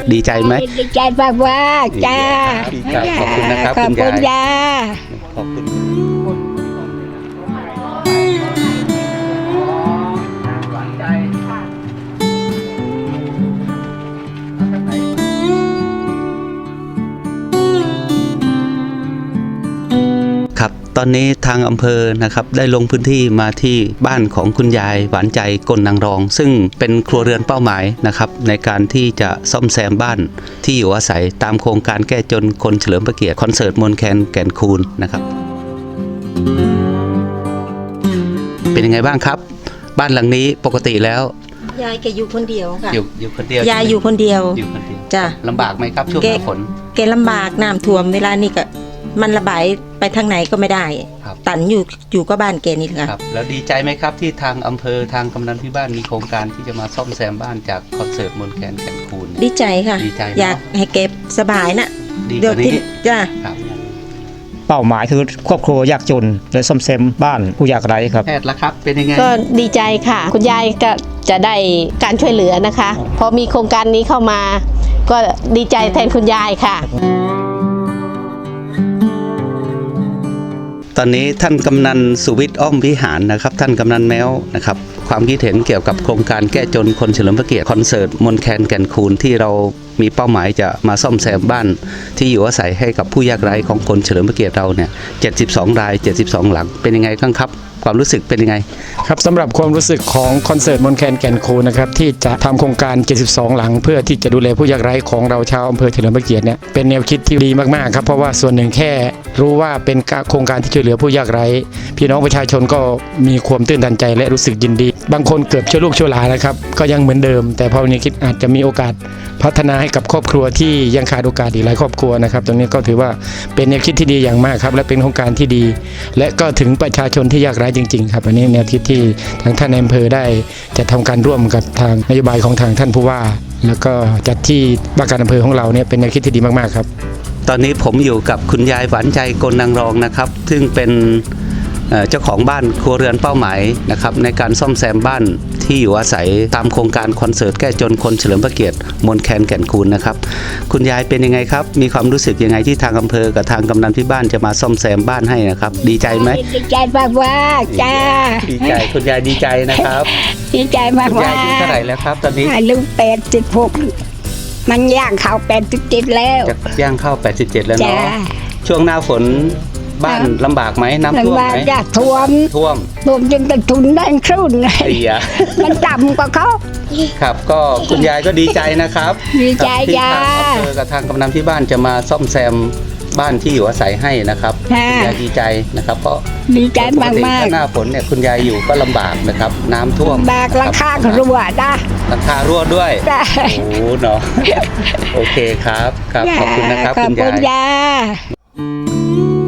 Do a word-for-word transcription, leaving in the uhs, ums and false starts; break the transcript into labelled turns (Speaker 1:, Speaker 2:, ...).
Speaker 1: ดีใจไหม
Speaker 2: ดีใจมากว่าจ้า
Speaker 1: ขอบคุณนะครับคุณยายขอบคุณครับตอนนี้ทางอำเภอนะครับได้ลงพื้นที่มาที่บ้านของคุณยายหวานใจกลนางรอง ซึ่งเป็นครัวเรือนเป้าหมายนะครับในการที่จะซ่อมแซมบ้านที่อยู่อาศัยตามโครงการแก้จนคนเฉลิมพระเกียรติคอนเสิร์ตมนแคนแก่นคูนนะครับเป็นยังไงบ้างครับบ้านหลังนี้ปกติแล้ว
Speaker 3: ยายแกอยู่คนเดียวค่ะ
Speaker 1: อยู่อยู่คนเดียวย
Speaker 3: ายอยู่คนเดียว
Speaker 1: อยู่คนเดียว
Speaker 3: จ้ะ
Speaker 1: ลำบากไหมครับช่วงหน้าฝน
Speaker 3: แกลำบากน้ำท่วมเวลานี้ก็มันระบายไปทางไหนก็ไม่ได้ตันอยู่อยู่ก็บ้านแกนี่แหละ
Speaker 1: ครับแล้วดีใจไหมครับที่ทางอำเภอทางกำนันที่บ้านมีโครงการที่จะมาซ่อมแซมบ้านจากคอนเสิร์ตมนแคนแก่นคูน
Speaker 3: ดีใจค่ะอยากให้เก็บสบายนะ
Speaker 1: เดี๋ยวที่
Speaker 3: จ้ะ
Speaker 4: เป้าหมายคือครอบครัวยากจนและซ่อมแซมบ้านผู้ยากไร้ครับ
Speaker 1: แพทย์ละครับเป็นยังไง
Speaker 5: ก็ดีใจค่ะคุณยายก็จะได้การช่วยเหลือนะคะพอมีโครงการนี้เข้ามาก็ดีใจแทนคุณยายค่ะ
Speaker 1: ตอนนี้ท่านกำนันสุวิทย์อ้อมวิหารนะครับท่านกำนันแมวนะครับความคิดเห็นเกี่ยวกับโครงการแก้จนคนเฉลิมพระเกียรติคอนเสิร์ตมนแคนแก่นคูนที่เรามีเป้าหมายจะมาซ่อมแซมบ้านที่อยู่อาศัยให้กับผู้ยากไร้ของคนเฉลิมพระเกียรติเราเนี่ยเจ็ดสิบสองรายเจ็ดสิบสองหลังเป็นยังไงบ้างครับความรู้สึกเป็นยังไง
Speaker 4: ครับสำหรับความรู้สึกของคอนเสิร์ตมนแคนแก่นคูนนะครับที่จะทำโครงการเจ็ดสิบสองหลังเพื่อที่จะดูแลผู้ยากไร้ของเราชาวอำเภอเฉลิมพระเกียรติเนี่ยเป็นแนวคิดที่ดีมากๆครับเพราะว่าส่วนหนึ่งแค่รู้ว่าเป็นโครงการที่ช่วยเหลือผู้ยากไร้พี่น้องประชาชนก็มีความตื่นตันใจและรู้สึกยินดีบางคนเกือบชั่วลูกชั่วหลานนะครับก็ยังเหมือนเดิมแต่พอวันนี้คิดอาจจะมีโอกาสพัฒนาให้กับครอบครัวที่ยังขาดโอกาสอีกหลายครอบครัวนะครับตรงนี้ก็ถือว่าเป็นแนวคิดที่ดีอย่างมากครับและเป็นโครงการที่ดีและก็ถึงประชาชนที่ยากไร้จริงๆครับอันนี้แนวคิดที่ทางท่านอำเภอได้จะทำการร่วมกับทางนโยบายของทางท่านผู้ว่าแล้วก็จัดที่ว่าการอำเภอของเราเนี่ยเป็นแนวคิดที่ดีมากๆครับ
Speaker 1: ตอนนี้ผมอยู่กับคุณยายหวานใจกลนางรองนะครับซึ่งเป็นเจ้าของบ้านครัวเรือนเป้าหมายนะครับในการซ่อมแซมบ้านที่อยู่อาศัยตามโครงการคอนเสิร์ตแก้จนคนเฉลิมพระเกียรติมนแคนแก่นคูนนะครับคุณยายเป็นยังไงครับมีความรู้สึกยังไงที่ทางอำเภอกับทางกำนันที่บ้านจะมาซ่อมแซมบ้านให้นะครับดีใจไหม
Speaker 2: ดีใจมากว่าจ้า
Speaker 1: ดีใจคุณยายดีใจนะครับ
Speaker 2: ดีใจมากว่า
Speaker 1: คุณยายอายุเท่าไหร่แล้วครับตอนนี้
Speaker 2: อายุแปดสิบหกมันย่างเข้าแปดสิบเจ็ดแล้ว
Speaker 1: จะย่างเข้าแปดสิบเจ็ดแล้วเนาะช่วงหน้าฝนบ้านลำบากไหมน้ำท่วมไหม
Speaker 2: ท่วม
Speaker 1: ท่วม
Speaker 2: ท่วมจนกระทุนได้ครึ่งเลยมันต่ำกว่าเขา
Speaker 1: ครับก็คุณยายก็ดีใจนะครับ
Speaker 2: ดีใจจ้า
Speaker 1: ที่ทางอำเภอกับทางกำนันที่บ้านจะมาซ่อมแซมบ้านที่อยู่อาศัยให้นะครับคุณยายดีใจนะครับเพราะ
Speaker 2: ดีใจมากมาก
Speaker 1: หน้าฝนเนี่ยคุณยายอยู่ก็ลำบากนะครับน้ำท่วม
Speaker 2: บากราคารั่วนะ
Speaker 1: ราคารั่วด้วยโอ้เนาะโอเคครับครับขอบคุณนะครับคุณยาย